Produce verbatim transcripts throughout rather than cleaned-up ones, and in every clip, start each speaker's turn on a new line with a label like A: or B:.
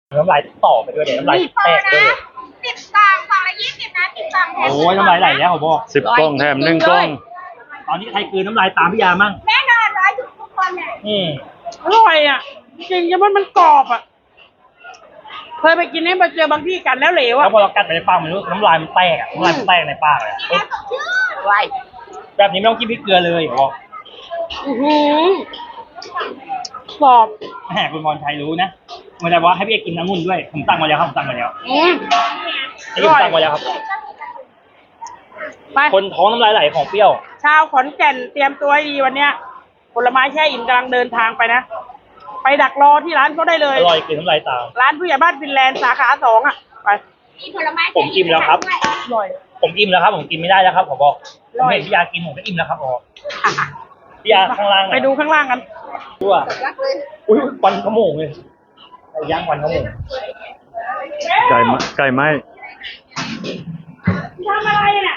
A: น้ำลายต่อไปด้วยเดี๋ยวน้ำลายแตกด้วย
B: สิบกล่องกล่องละยี่สิบนะสิบกล่อง
A: โอ้ยน้ำลายไหลแล้วผมบอก
C: สิบกล่องแถมหนึ่งกล่อง
A: ตอนนี้ใครคืนน้ำลายตามพี่ยามั่ง
B: แน่นอนร้อยทุกคนเนี่ย
A: อืม
D: อร่อยอ่ะจริงๆมันมันกรอบอ่ะเคยไปกินนี่มาเจอบางที่กันแล้วเหลวอ่ะ
A: แล้วพอเรากัดไปในปากมันรู้น้ำลายมันแตกน้ำลายมันแตกในปากเลย
B: ไว
A: แบบนี้ไม่ต้องกินพริกเกลือเลยบอก
D: อือหือกรอบ
A: แหมคุณพรชัยรู้นะมันจะว่าให้พี่กินน้ำงุ่นด้วยผมสั่งมาแล้วครับผมสั่งมาแล้ว
D: อืม
A: ไอ้ผมสั่งมาแล้วครับไปคนท้องน้ำลายไหลของเปรี้ยว
D: ชาวขอนแก่นเตรียมตัวให้ดีวันเนี้ยผลไม้แช่อิ่มกำลังเดินทางไปนะไปดักรอที่ร้านเขาได้เลย
A: อร่อยกินน้ำลายตาม
D: ร้านผู้ใหญ่บ้านฟินแลนด์สาขาสองอ่ะไป
B: มีผลไม้
A: ผมอิ่มแล้วครับ
D: อร่อย
A: ผมอิ่มแล้วครับผมกินไม่ได้แล้วครับผมบอกผมเห็นพี่ยากินผมก็อิ่มแล้วครับผมพี่ยาข้างล่าง
D: ไปดูข้างล่างกัน
A: ดูอ่ะอุ้ยควันขโมงเลยไก่ย่างควันขโมง
C: ไก่ไหมไก่ไหม
D: ทำอะไรเนี่ย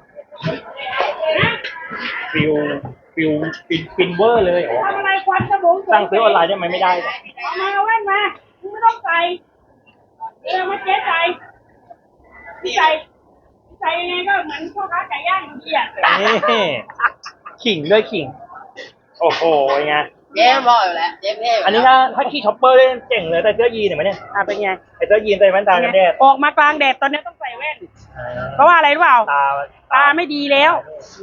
A: ฟิวฟิวฟินฟินเวอร์เลย
D: ทำอะไรควันขโมง
A: สั่งซื้อออนไลน์ได้ไหมไม่ได้
D: เอามาเอาแว่นมาไม่ต้องใส่เออมาเจ๊ใส่พี่ใส่พี่ใส่ยังไงก็เหมือนพ่อค้าไก่ย่างอยู่ดีอ่ะ
A: นี่ขิงด้วยขิงโอ้โหไง
B: เจ๊บอกอยู่แล้วเจ๊เพ่
A: อันนี้ถ้าถ้าขี่ช็อปเปอร์เล่นเจ๋งเลยแต่เสื้อยีนเห็นไหมเนี่ย
D: อ่ะเป็นไง
A: ไอเสื้อยีนใส่แว่นตากันแดด
D: ออกมากลางแดดตอนนี้ต้องใส่แว่นเพราะว่าอะไรรู้เปล่า
A: ตา
D: ตาไม่ดีแล้ว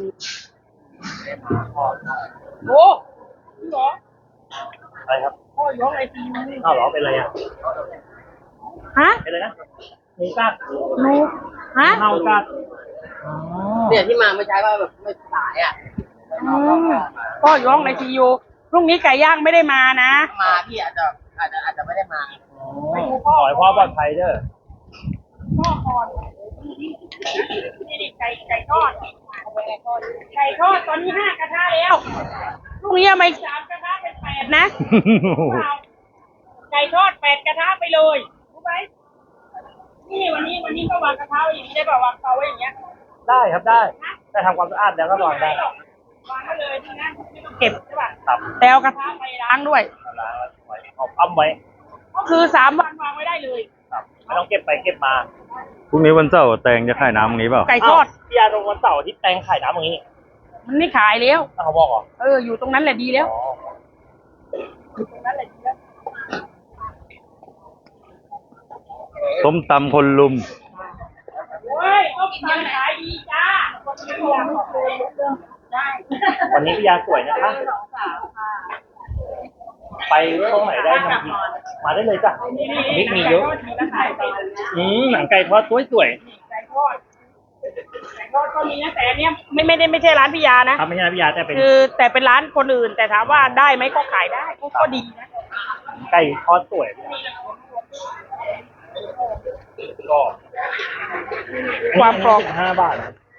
D: โอ้หรอ
A: อะไรครับ
D: พ่อย้องไอซียู
A: อ้าวหรอเป็นอะไรอ่ะ
D: ฮะ
A: เป็นอะไรนะหมูกัด
D: หนูฮะ
A: เน่ากัด
B: เนี่ยที่มาไม่ใช่ว่าแบบไม่สายอ่ะ
D: พ่อย้องไอซียูพรุ่งนี้ไก่ย่างไม่ได้มานะ
B: มาพี่อาจจะอาจจะอาจจะไม่ได้มา
A: ขอให้พ่อปลอดภัยเด้อ
D: พ่อก่อนนี่ดิไก่ไก่ทอดไก่ทอดตอนนี้ห้ากระทะแล้วพรุ่งนี้มาสามกระทะเป็นแปดนะไก่ทอดแปดกระทะไปเลยรู้ไหมนี่วันนี้วันนี้ก็วางกระทะอย่างนี้ได้ป่าววางเตาไว้อย่างเงี้ย
A: ได้ครับได้แต่ทำความสะอาดแล้วก็วางได้
D: วางไว้เลยที่นั่นไม่ต้องเก็บใช่ป่ะแต่เอากระทะไปล้างด้วย
A: ล้างแล้วไว้เอาอ้ำไว้
D: ก็คือสามวันวางไว้ได้เลย
A: ครับไม่ต้องเก็บไปเก็บมา
C: พรุ่งนี้วันเสาร์แตงจะขายน้ำตรงนี้เปล่า
D: ไก่ทอด
A: พี่ยาตรงวันเสาร์ที่แตงขายน้ำตรงนี้
D: มันไม่ขายแล้ว
A: เขาบอกเหรอ
D: เอออยู่ตรงนั้นแหละดีแล้วอยู่ตรงนั้นแหละดีแล้ว
C: ต้มตำคนลุม
D: โอ้ยต้มตำขายดีจ้า
A: วันนี้พี่ยาสวยนะคะไปตรงไหนได้มามาได้เลยจ้ะมิกมีเยอะอืมหนังไก่ทอดสวยสวย
D: ไก่ทอดไก่ทอดก็มีนะแต่อันเนี้ยไม่ไม่ได้ไม่ใช่ร้านพี่ยานะครับ
A: ไม่ใช่ร้านพี่ยาแต่เป็น
D: คือแต่เป็นร้านคนอื่นแต่ถามว่าได้ไหมก็ขายได้ก็ดีนะ
A: ไก่ทอดสวยก็
D: ความกรอบ
A: ห้าบาท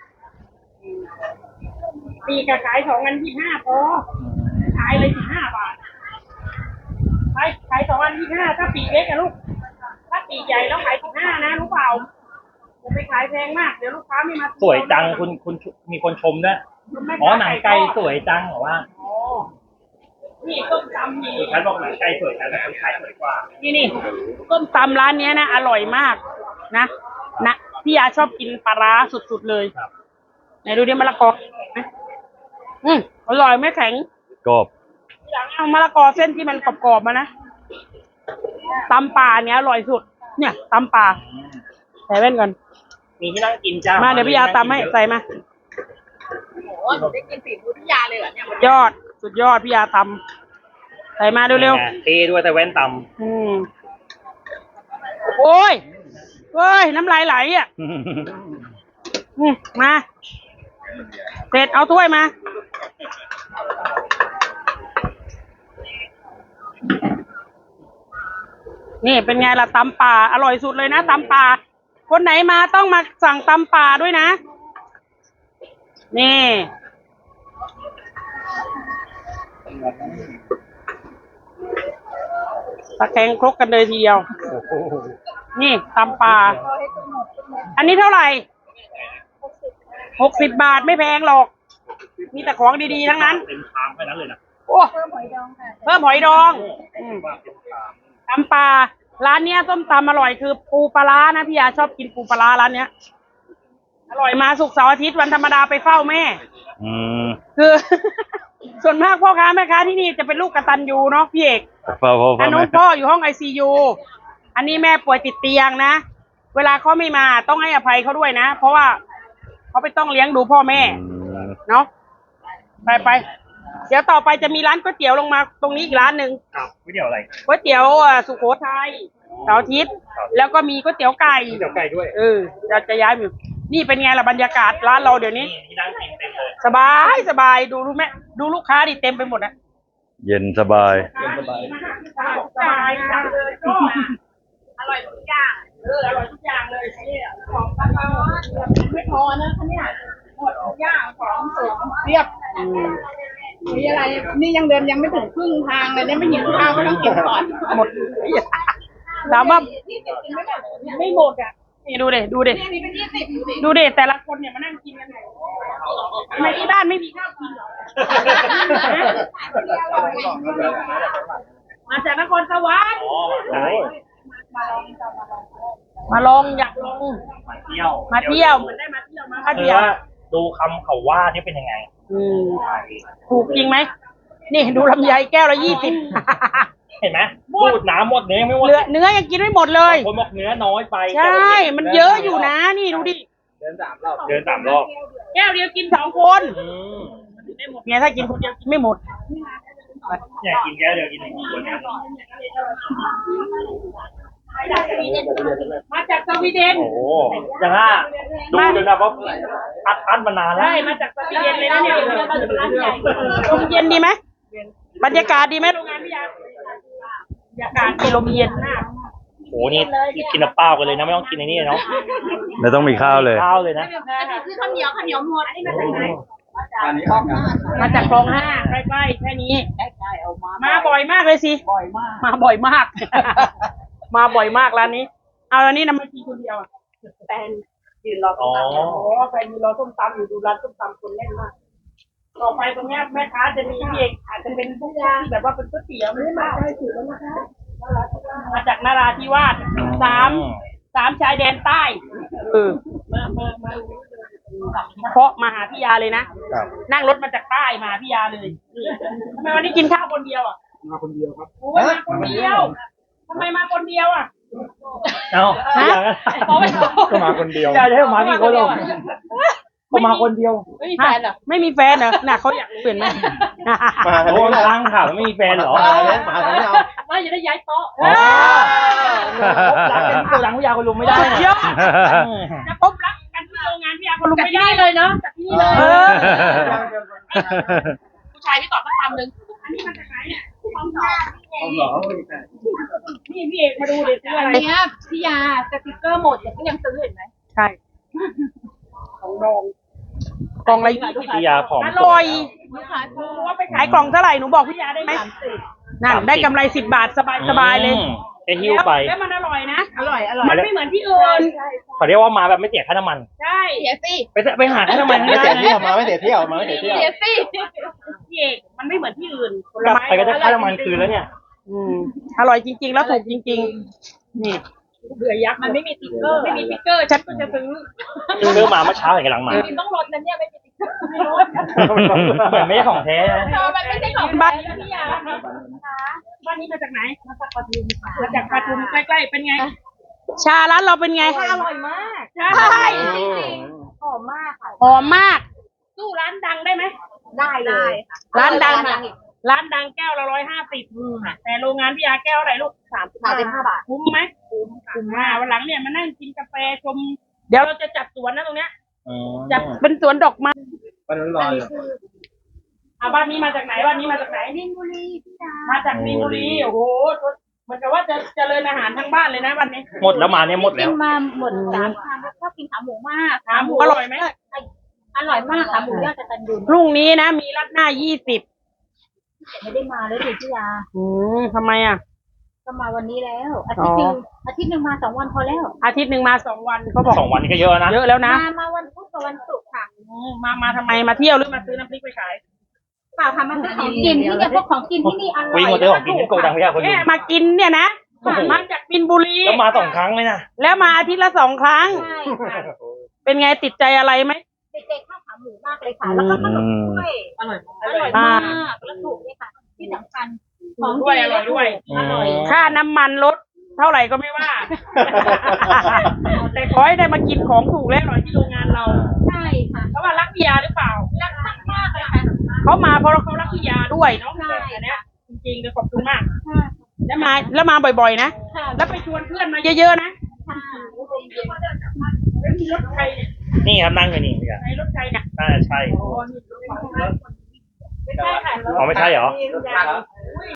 D: ปีกขายสองอันที่ห้าพอขายเลยสิบห้าบาทขายขายสองอันที่ห้าถ้าปีเล็กอะลูกถ้าปีใหญ่แล้วขายสิบห้านะรู้เปล่าจะไปขายแพงมากเดี๋ยวลูกค้าไม่มา
A: สวยจังคุณคุณมีคนชมด้วยอ๋อหนังไก่สวยจังเหรอว่า
D: นี่ต้มตำนี่
A: ฉันบอกหนังไก่สวยแต่คนขายสวยกว่า
D: นี่นี่ต้มตำร้านนี้นะอร่อยมากนะนะพี่ยาชอบกินปลาร้าสุดๆเลยไหนดูดิมะละกออืมอร่อยไม่แข็ง
C: กรอบ
D: หลังเอามะละกอเส้นที่มันกรอบๆมานะตำป่าเนี้ยอร่อยสุดเนี่ยตำป่าใส่แว่นก่อน
A: มีที่นั่งกินจ้า
D: มาเดี๋ยวพี่ยาตำให้ใส่มา
B: โอ้โหได้กินฝีมือพี่ยาเลยเหรอเนี่ย
D: ยอดสุดยอดพี่ยาตำใส่มาเร็ว
A: ๆเท่ด้วยแต่แว่นตำ
D: อืมโอ้ยโอ้ยน้ำลายไหลอ่ะอืมมาเสร็จเอาถ้วยมานี่เป็นไงล่ะตำป่าอร่อยสุดเลยนะตำป่าคนไหนมาต้องมาสั่งตำป่าด้วยนะนี่ตะแคงครกกันเลยทีเดียวนี่ตำป่าอันนี้เท่าไหร่หกสิบบาทไม่แพงหรอกมีแต่ของดีๆทั้งนั้น
A: เป็นชามแค่นั้นเลยนะ
D: โอ้เพิ่มหอยดองค่ะเพิ่มหอยดองตำปลาร้านเนี้ยส้มตำอร่อยคือปูปลาร้านะพี่ยาชอบกินปูปลาร้าร้านเนี้ยอร่อยมาศุกร์เสาร์อาทิตย์วันธรรมดาไปเฝ้าแม่
C: อืม
D: คือ ส่วนมากพ่อค้าแม่ค้าที่นี่จะเป็นลูกกตัญญูเนาะพี่เอก
C: พ่อพ่อพ่
D: อั
C: อน
D: นู้
C: แม่
D: นพ่ออยู่ห้องไอซียูอันนี้แม่ป่วยติดเตียงนะเวลาเขาไม่มาต้องให้อภัยเขาด้วยนะเพราะว่าเขาไปต้องเลี้ยงดูพ่อแม่
C: อืม
D: เนาะไปไปเดี๋ยวต่อไปจะมีร้านก๋วยเตี๋ยวลงมาตรงนี้อีกร้านหนึ่ง
A: ครับไม่เดี๋ยวอะไร
D: ก๋วยเตี๋ยวอ่ะสุโขทัยเสาร์อาทิตย์แล้วก็มีก๋วยเตี๋ยวไก่
A: เดี๋ยวไก่ด้วย
D: เออจะจะย้ายอยู่นี่เป็นไงล่ะบรรยากาศร้านเราเดี๋ยวนี้
A: นี่ที่นั่งกินเต็มเลย
D: สบายสบายดูรู้ไหมดูลูกค้าดิเต็มไปหมดอะ
C: เย็นสบาย
D: สบายสบายจังเลยก็อร่อยทุกอย่างเอออร่อยทุกอย่างเลยเนี่ยของตลาดไม่พอนะคะเนี่ยหมดทุกอย่างของสดเรียบมีอะไรนี่ยังเดินยังไม่ถึงครึ่งทางเลยเนี่ยไม่หิวข้าวก็ต้องกินก่อนหมดถามว่าไม่หมดอ่ะนี่ดูเด็ดูเด็ดูเด็แต่ละคนเนี่ยมานั่งกินกันไหนทำไมที่บ้านไม่มีข้าวกินเหรอมาจากนครสวรรค์
A: อ๋อใช่
D: มาลองอยากลอง
A: มาเที่ยว
D: มาเที่ยวเหมือนได้มาเที่ยวมา
A: คือ
D: เที่ยว
A: ว่าดูคำเขาว่าที่เป็นยังไง
D: อืมถูกจริงไหมนี่ดูลำไยแก้วละยี่สิบ
A: เห็นไหมพูดน้ำหมดเนื้อยังไม่หมด
D: เหลือเนื้อยังกินไม่หมดเลย
A: คนบอกเนื้อน้อยไป
D: ใช่ มันเยอะอยู่นะนี่ดูดิ
A: เดินสามรอบเดินสามรอบ
D: แก้วเดียวกินสองคน
A: อืม
D: ไม่หมดไงถ้ากินคนเดียวกินไม่หมด
A: เนี่ยกินแก้วเดียวกินหนึ่งคนเนี่ย
D: มาจากสวีเดน
A: โอ้โหยังอ่ะดูเลยนะว่าอัดอั้นมานานแล้ว
D: ใช่มาจากสวีเดนเลยนะเนี่ยลมเย็นดีไหมบรรยากาศดีไหมโรงงานพี่ยาบรรยากาศดีลมเย็นมาก
A: โอ้โหนี่กินน้ำเปล่ากันเลยนะไม่ต้องกินในนี้เนาะ
C: ไม่ต้องมีข้าวเลย
A: ข้าวเลยนะ
D: คือข้าวเหนียวข้าวเหนียวหมดอันนี้มาจากไหนมาจากคลองห้าใกล้ๆแค่นี้มาบ่อยมากเลยสิบ่อยมากมาบ่อยมาก มาบ่อยมากร้านนี้ เอาร้านนี้นำมากินคนเดียวแฟนยืนรอส้มตำอ๋อแฟนยืนรอส้มตำอยู่ดูร้านส้มตำคนแน่นมากต่อไปตรงเนี้ยแม่ค้าจะมีพี่เอกอาจจะเป็นพวกที่แบบว่าเป็นก๋วยเตี๋ยวไม่ได้มาใกล้ถึงแล้วนะคะมาจากนราธิวาสสามสามชายแดนใต้เออมามามาเพราะมาหาพี่ยาเลยนะนั่งรถมาจากใต้มาหาพี่ยาเลยทำไมวันนี้กินข้าวคนเดียวอ่ะมาคนเดียวครับโอ้ยมาคนเดียวทำไมมาคนเดียวอ่ะ
A: เอาอย่างนั้นก็มาคนเดียวจะให้มากี่คนหรอก็มาคนเดียว
D: ไม่มีแฟนเหรอไม่มีแฟนเหรอน่ะเขาอยากรู้เห็นไหม
A: มาโอ้ทางข่าวไม่มีแฟนเหรอมาคนเดียว
D: ว่าจะได้ย้ายโต๊ะ
A: รักกันตัวหลังผู้ยาคนลุงไม่ได้
D: สุดยอดจะพบรักกันที่โรงงานพี่ยาคนลุงไม่ได้เลยเนาะจากที่นี่เลยผู้ชายพี่ตอบสักคำหนึ่งอันนี้มาจากไหนเนี่ยความสองนี่พี่เอกมาดูดิซื้ออะไร
E: อันเนี้ยพี่ยาสติกเกอร์หมดแต่ก็ยังซื้อเห็นไหม
D: ใช่ของดองกล่องละยี่สิบ
A: พี่ยาผอม
D: อร่อย
E: ลูกค้า
D: หนูว่าไปขายกล่องเท่าไหร่หนูบอกพี่ยาได้ไหมนั่นได้กำไรสิบบาทสบายสบายเลย
A: จะหิ้วไป
D: แล้วมันอร่อยนะ
E: อร่อยอร่อย
D: มันไม่เหมือนที่อื่น
A: เขาเรียกว่ามาแบบไม่เสียค่าน้ำมัน
D: ใช่
E: เสียสิ
A: ไปไปหาค่าน้ำมัน
F: ไม่เสียเที่ยวมาไม่เสียเที่ยวมาไม่เสียเที่ยว
E: เสียสิ
D: พี่เอกมันไม่เหมือนที่อื่นผล
A: กลับ
D: ไม้
A: ไปก็ได้ค่าน้ำมันคืนแล้วเนี่ย
D: อืมอร่อยจริง ๆ แล้วถูกจริง ๆ นี่เบื่อยักษ์มันไม่มีสติ๊กเกอร์ไม่มีสติ๊กเกอร์ฉันก็จะซื้อ
A: ซื้อมาเมื่อเช้าเห็นกำลังมา
E: ต้องลดนะเนี่ยไม่มีสติ๊กเกอร์ไม่ลด
A: เหมือนไม่ใช่ของแท้นะ
E: มันไม่ใช่ของ
D: บ้าน
E: พี่ยา
D: บ้านนี้มาจากไหนมาจากปทุมมาจากปทุมใกล้ๆเป็นไง ชาร้านเราเป็นไง
E: อร่อยมาก
D: ใช่
E: หอมมากค่ะ
D: หอมมาก สู้ร้านดังได้ไหม
E: ได้เลย
D: ร้านดังร้านดังแก้วละร้อยห้าสิบแต่โรงงานพี่ยาแก้วอะไรลูกสาม
E: สามสิบห้าบาท
D: คุ้มไหมคุ้มมากวันหลังเนี่ยมานั่งกินกาแฟชม เดี๋ยวเราจะจัดสวนนะตรงเนี้ยจัดเป็นสวนดอกไม้
F: มันรออยู่
D: อ่ะบ้านนี้มาจากไหนบ้านนี้มาจากไหน
E: มินบุรีพี่ยา
D: มาจากมีนบุรีโอ้โหเหมือนกับว่าจะเจริญอาหารทั้งบ้านเลยนะวันนี้
A: หมดแล้วมาเนี่ยหมด
E: กิ
A: แล้ว
E: นมาหมดสามครั้งแล้วชอบกินขาหมูมาก
D: ขาหมูอร่อยไหม
E: อร่อยมากขาหมูยอดกระตันยู
D: พรุ่งนี้นะมีรัดหน้ายี่สิบ
E: ไม่ได้มาเลยสิพี่ยา
D: อืมทำไมอ่ะ
E: ก็มาวันนี้แล้ว อาทิตย์หนึ่งอาทิตย์หนึ่งมาสองวันพอแล้ว
D: อาทิตย์หนึ่งมาสองวันเขาบอก
A: สองวันนี้ก็เยอะนะ
D: เยอะแล้วนะ
E: มามาวันพุธกับวันศุกร์ค่ะ
D: อืมมามาทำไมมาเที่ยวหรือมาซื้อน้ำพริกไปขาย
E: เปล่าค่ะมาซื้อของกินที่เนี่ยพวกของกินที่นี่อร่อย
A: วิ่งหมดเลยของกินที่โกดังพี่ยาคนลุ
D: แม่
A: ง
D: มากินเนี่ยนะมาจากบินบุรี
A: แล้วมาสองครั้งเลยนะ
D: แล้วมาอาทิตย์ละสองครั้ง
E: ใช่ค่ะ
D: เป็นไงติดใจอะไรไหม
E: เด็กๆข้าวขาหมูมากเลยค่ะ แล้วก็ขนมถ้วย
B: อร่อย
E: อร่อยมากแล้วถูกเลยค่ะ ที่สำคัญของ
D: ด้วย
E: ดี
D: อร่อยด้วย
E: อร่อย
D: ค่าน้ำมันลดเท่าไหร่ก็ไม่ว่า แต่ขอให้ได้มากินของถูกและอร่อยที่โรงงานเรา
E: ใช่ค่ะ
D: เพราะว่ารักพิยาหรือเปล่า
E: รักมากๆเลยค่ะ
D: เขามาเพราะเขารักพิยาด้วยเนาะ
E: ใช่
D: อันเนี้ยจริงๆก็ขอบคุณมาก
E: ค่ะ
D: แล้วมาแล้วมาบ่อยๆนะ
E: ค่ะ
D: แล้วไปชวนเพื่อนมาเยอะๆนะ
E: ค่ะ
D: แล้วมีรถใครเนี่ย
A: นี่ครับนั่งอยู่นี่พี่อะ
D: ในรถใครเนี่ย
A: น่าจะใช่
D: อ๋อนี่รถใครไม่ใช่ค่ะ
A: อ๋อไม่ใช่เหรอ
D: มียา